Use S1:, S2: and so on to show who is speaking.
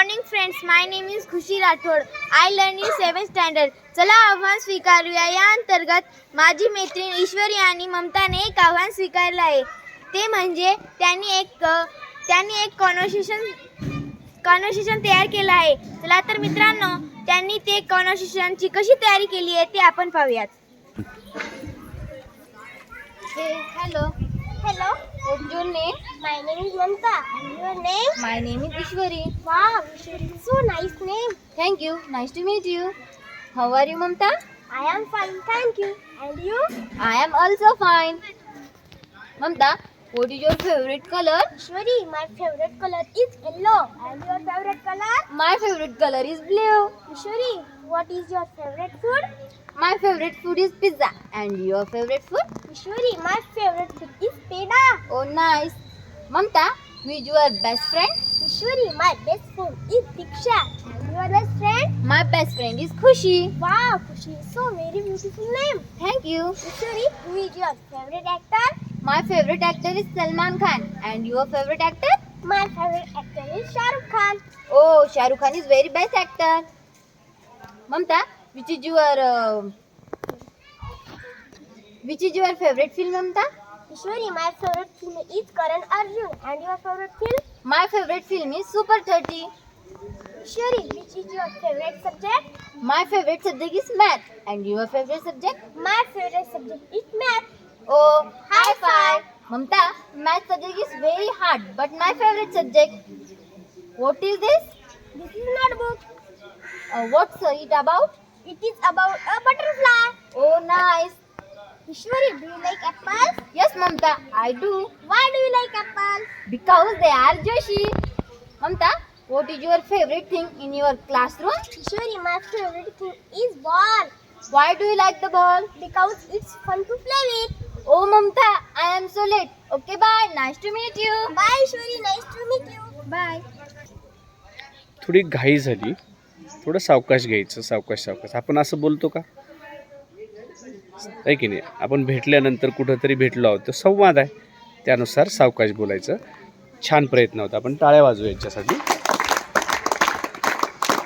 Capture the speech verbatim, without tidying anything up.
S1: morning friends, my name is Khushi Rathod. I learn in seventh standard. चला आव्हान स्वीकारूया या अंतर्गत माझी मैत्रीण ईश्वरी आणि ममताने एक आव्हान स्वीकारले आहे. ते म्हणजे त्यांनी एक त्यांनी एक कॉन्व्हर्सेशन कॉन्व्हर्सेशन तयार केलं आहे. चला तर मित्रांनो, त्यांनी ते कॉन्व्हर्सेशनची कशी तयारी केली आहे ते आपण पाहूयात.
S2: Hello.
S1: Hello.
S2: What's your name?
S1: My name is Mamta. And your name?
S2: My name is Ishwari.
S1: Wow, Ishwari, so nice name.
S2: Thank you. Nice to meet you. How are you, Mamta?
S1: I am fine, thank you. And you?
S2: I am also fine. Mamta, what is your favorite color?
S1: Ishwari, my favorite color is yellow. And your favorite color?
S2: My favorite color is blue.
S1: Ishwari, what is your favorite food?
S2: My favorite food is pizza. And your favorite food?
S1: Ishwari, my favorite food is peda.
S2: Oh, nice. Mamta, who is your best friend?
S1: Ishwari, my best friend is Diksha. And your best friend?
S2: My best friend is Khushi.
S1: Wow, Khushi, so very beautiful name.
S2: Thank you.
S1: Ishwari, who is your favorite actor?
S2: My favorite actor is Salman Khan. And your favorite actor?
S1: My favorite actor is Shah Rukh Khan.
S2: Oh, Shah Rukh Khan is very best actor. Mamta, which is your uh, which is your favorite film, Mamta?
S1: Ishwari, my favorite film is Karan Arjun. And your favorite film?
S2: My favorite film is Super thirty.
S1: Ishwari, which is your favorite subject?
S2: My favorite subject is math. And your favorite subject?
S1: My favorite subject is math.
S2: Oh, high
S1: High
S2: five. Mamta, math subject is very hard, but my favorite subject. What is this?
S1: This is notebook.
S2: Uh, what's it about?
S1: It is about a butterfly.
S2: Oh, nice.
S1: Ishwari, do you like apples?
S2: Yes, Mamta, I do.
S1: Why do you like apples?
S2: Because they are Joshi. Mamta, what is your favorite thing in your classroom?
S1: Ishwari, my favorite thing is ball.
S2: Why do you like the ball?
S1: Because it's fun to play with.
S2: Oh, Mamta, I am so late. Okay, bye. Nice to meet you.
S1: Bye, Ishwari. Nice to meet you.
S2: Bye.
S3: थोडी घाई झाली, थोडं सावकाश घ्यायचं. सावकाश सावकाश आपण असं बोलतो का? आहे की नाही? आपण भेटल्यानंतर कुठंतरी भेटलो आहोत, तो संवाद आहे, त्यानुसार सावकाश बोलायचं. छान प्रयत्न होता. आपण टाळ्या वाजवू याच्यासाठी.